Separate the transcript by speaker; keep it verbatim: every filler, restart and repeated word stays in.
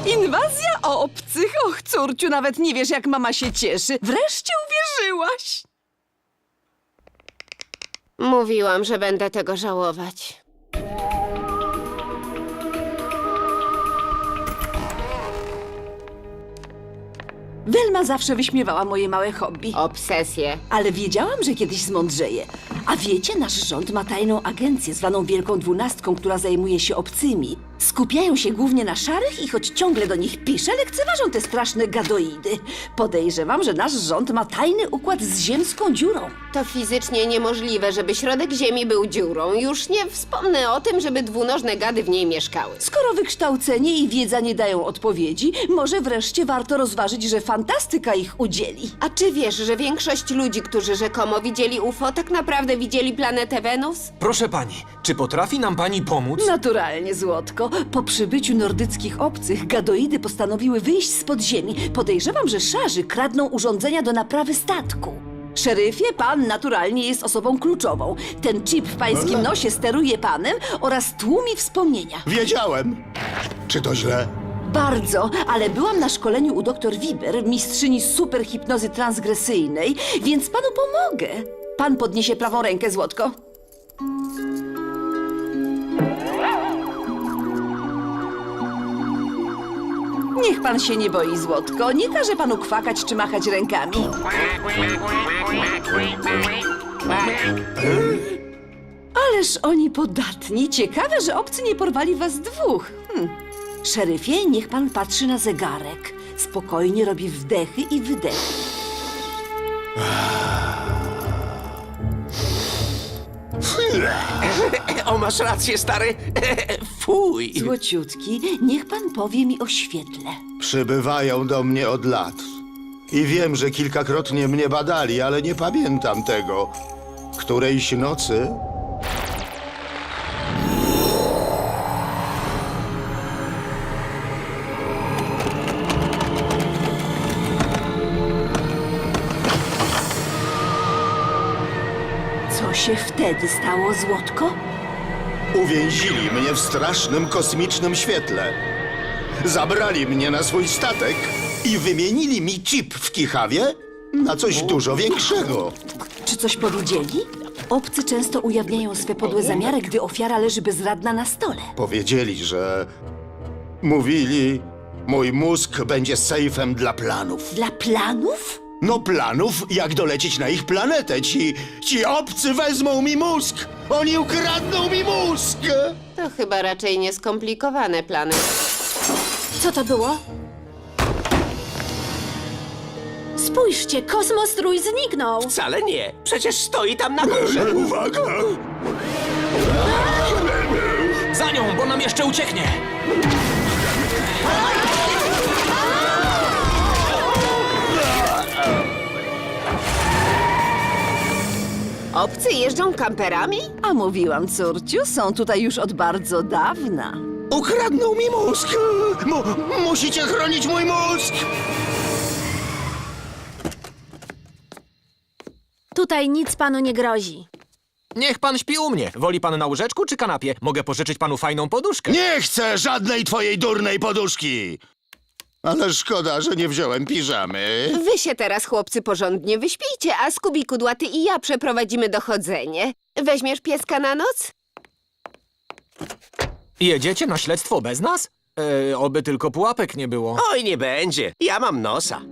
Speaker 1: Inwazja obcych? Och, córciu, nawet nie wiesz, jak mama się cieszy. Wreszcie uwierzyłaś.
Speaker 2: Mówiłam, że będę tego żałować.
Speaker 1: Welma zawsze wyśmiewała moje małe hobby.
Speaker 2: Obsesję.
Speaker 1: Ale wiedziałam, że kiedyś zmądrzeje. A wiecie, nasz rząd ma tajną agencję zwaną Wielką Dwunastką, która zajmuje się obcymi. Skupiają się głównie na szarych i choć ciągle do nich piszę, lekceważą te straszne gadoidy. Podejrzewam, że nasz rząd ma tajny układ z ziemską dziurą.
Speaker 2: To fizycznie niemożliwe, żeby środek Ziemi był dziurą. Już nie wspomnę o tym, żeby dwunożne gady w niej mieszkały.
Speaker 1: Skoro wykształcenie i wiedza nie dają odpowiedzi, może wreszcie warto rozważyć, że fantastyka ich udzieli.
Speaker 2: A czy wiesz, że większość ludzi, którzy rzekomo widzieli U F O, tak naprawdę widzieli planetę Wenus?
Speaker 3: Proszę pani, czy potrafi nam pani pomóc?
Speaker 1: Naturalnie, Złotko. Po przybyciu nordyckich obcych, gadoidy postanowiły wyjść z podziemi. Podejrzewam, że szarzy kradną urządzenia do naprawy statku. Szeryfie, pan naturalnie jest osobą kluczową. Ten chip w pańskim nosie steruje panem oraz tłumi wspomnienia.
Speaker 4: Wiedziałem. Czy to źle?
Speaker 1: Bardzo, ale byłam na szkoleniu u doktor Wiber, mistrzyni superhipnozy transgresyjnej, więc panu pomogę. Pan podniesie prawą rękę, Złotko. Niech pan się nie boi, Złotko. Nie każe panu kwakać czy machać rękami. Ależ oni podatni. Ciekawe, że obcy nie porwali was dwóch. Hm. Szeryfie, niech pan patrzy na zegarek. Spokojnie robi wdechy i wydechy.
Speaker 5: O, masz rację, stary. Fuj.
Speaker 1: Złociutki, niech pan powie mi o świetle.
Speaker 4: Przybywają do mnie od lat. I wiem, że kilkakrotnie mnie badali, ale nie pamiętam tego. Którejś nocy...
Speaker 1: Co się wtedy stało, Złotko?
Speaker 4: Uwięzili mnie w strasznym kosmicznym świetle. Zabrali mnie na swój statek i wymienili mi chip w Kichawie na coś dużo większego.
Speaker 1: Czy coś powiedzieli? Obcy często ujawniają swe podłe zamiary, gdy ofiara leży bezradna na stole.
Speaker 4: Powiedzieli, że... Mówili, mój mózg będzie sejfem dla planów.
Speaker 1: Dla planów?
Speaker 4: No planów, jak dolecieć na ich planetę. Ci, ci obcy wezmą mi mózg! Oni ukradną mi mózg!
Speaker 2: To chyba raczej nieskomplikowane plany.
Speaker 6: Co to było? Spójrzcie, kosmostrój zniknął!
Speaker 5: Wcale nie. Przecież stoi tam na górze.
Speaker 4: Uwaga!
Speaker 3: Za nią, bo nam jeszcze ucieknie!
Speaker 2: Obcy jeżdżą kamperami?
Speaker 1: A mówiłam, córciu, są tutaj już od bardzo dawna.
Speaker 4: Ukradną mi mózg! Mu, musicie chronić mój mózg!
Speaker 6: Tutaj nic panu nie grozi.
Speaker 3: Niech pan śpi u mnie. Woli pan na łóżeczku czy kanapie? Mogę pożyczyć panu fajną poduszkę.
Speaker 4: Nie chcę żadnej twojej durnej poduszki! Ale szkoda, że nie wziąłem piżamy.
Speaker 2: Wy się teraz, chłopcy, porządnie wyśpijcie, a Skubi Kudłaty i ja przeprowadzimy dochodzenie. Weźmiesz pieska na noc?
Speaker 3: Jedziecie na śledztwo bez nas? E, oby tylko pułapek nie było.
Speaker 5: Oj, nie będzie. Ja mam nosa.